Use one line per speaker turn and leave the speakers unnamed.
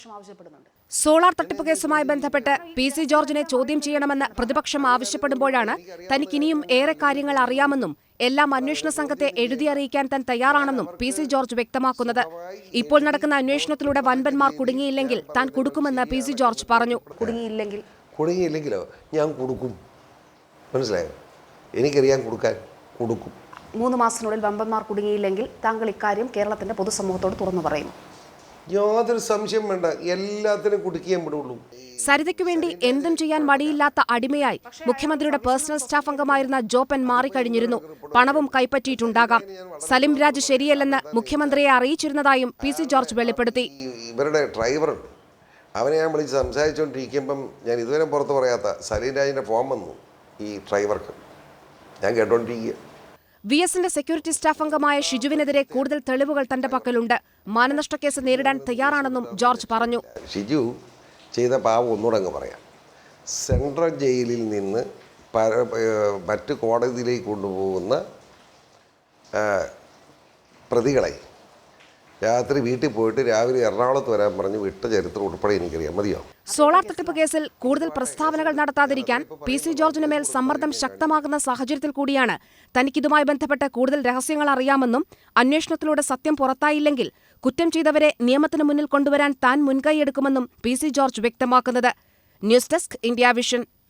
Solar തട്ടിപ്പ് കേസുമായി ബന്ധപ്പെട്ട് PC ജോർജിനെ ചോദ്യം ചെയ്യണമെന്ന് പ്രതിപക്ഷം ആവശ്യപ്പെടുമ്പോഴാണ് തനിക്കിനിയും ഏറെ കാര്യങ്ങൾ അറിയാമെന്നും എല്ലാം അന്വേഷണ സംഘത്തെ എഴുതി അറിയിക്കാൻ താൻ തയ്യാറാണെന്നും PC ജോർജ് വ്യക്തമാക്കുന്നത്. ഇപ്പോൾ നടക്കുന്ന അന്വേഷണത്തിലൂടെ വൻപന്മാർ കുടുങ്ങിയില്ലെങ്കിൽ താൻ കൊടുക്കുമെന്ന് PC ജോർജ് പറഞ്ഞു.
കുടുങ്ങിയില്ലെങ്കിലോ ഞാൻ കൊടുക്കും, മനസ്സിലായോ? എനിക്കറിയാൻ കൊടുക്കും.
3 മാസത്തിനുള്ളിൽ വമ്പന്മാർ കുടുങ്ങിയില്ലെങ്കിൽ താങ്കൾ ഇക്കാര്യം കേരളത്തിന്റെ പൊതുസമൂഹത്തോട് തുറന്നു പറയും.
യാതൊരു സംശയം വേണ്ട, എല്ലാത്തിനും കുടുക്കിയാൻ വിടുള്ളൂ.
സരിതയ്ക്കു വേണ്ടി എന്തും ചെയ്യാൻ മടിയില്ലാത്ത അടിമയായി മുഖ്യമന്ത്രിയുടെ പേഴ്സണൽ സ്റ്റാഫ് അംഗമായിരുന്ന ജോപ്പൻ മാറിക്കഴിഞ്ഞിരുന്നു. പണവും കൈപ്പറ്റിയിട്ടുണ്ടാകാം. സലിം രാജ് ശരിയല്ലെന്ന് മുഖ്യമന്ത്രിയെ അറിയിച്ചിരുന്നതായും PC ജോർജ് വെളിപ്പെടുത്തി.
ഇവരുടെ ഡ്രൈവർ അവനെ ഞാൻ വിളിച്ച് സംസാരിച്ചുകൊണ്ടിരിക്കുമ്പം ഞാൻ ഇതുവരെ പുറത്ത് പറയാത്ത സലീം രാജിന്റെ ഫോം വന്നു ഈ ഡ്രൈവർക്ക്. ഞാൻ കേട്ടോണ്ടിരിക്കുക.
VSന്റെ സെക്യൂരിറ്റി സ്റ്റാഫ് അംഗമായ ഷിജുവിനെതിരെ കൂടുതൽ തെളിവുകൾ തന്റെ പക്കലുണ്ട്. മാനനഷ്ടക്കേസ് നേരിടാൻ തയ്യാറാണെന്നും ജോർജ് പറഞ്ഞു.
ഷിജു ചെയ്ത പാവം ഒന്നുകൂടെ അങ്ങ് പറയാം. സെൻട്രൽ ജയിലിൽ നിന്ന് മറ്റ് കോടതിയിലേക്ക് കൊണ്ടുപോകുന്ന പ്രതികളെ രാത്രി വീട്ടിൽ പോയിട്ട് രാവിലെ എറണാകുളത്ത് വരാൻ പറഞ്ഞ് വിട്ട ചരിത്രം ഉൾപ്പെടെ എനിക്കറിയാം. മതിയോ?
സോളാർ തട്ടിപ്പ് കേസിൽ കൂടുതൽ പ്രസ്താവനകൾ നടത്താതിരിക്കാൻ PC ജോർജിന് മേൽ സമ്മർദ്ദം ശക്തമാകുന്ന സാഹചര്യത്തിൽ കൂടിയാണ് തനിക്കിതുമായി ബന്ധപ്പെട്ട് കൂടുതൽ രഹസ്യങ്ങൾ അറിയാമെന്നും അന്വേഷണത്തിലൂടെ സത്യം പുറത്തായില്ലെങ്കിൽ കുറ്റം ചെയ്തവരെ നിയമത്തിന് മുന്നിൽ കൊണ്ടുവരാൻ താൻ മുൻകൈയെടുക്കുമെന്നും PC ജോർജ് വ്യക്തമാക്കുന്നത്. News desk, India vision.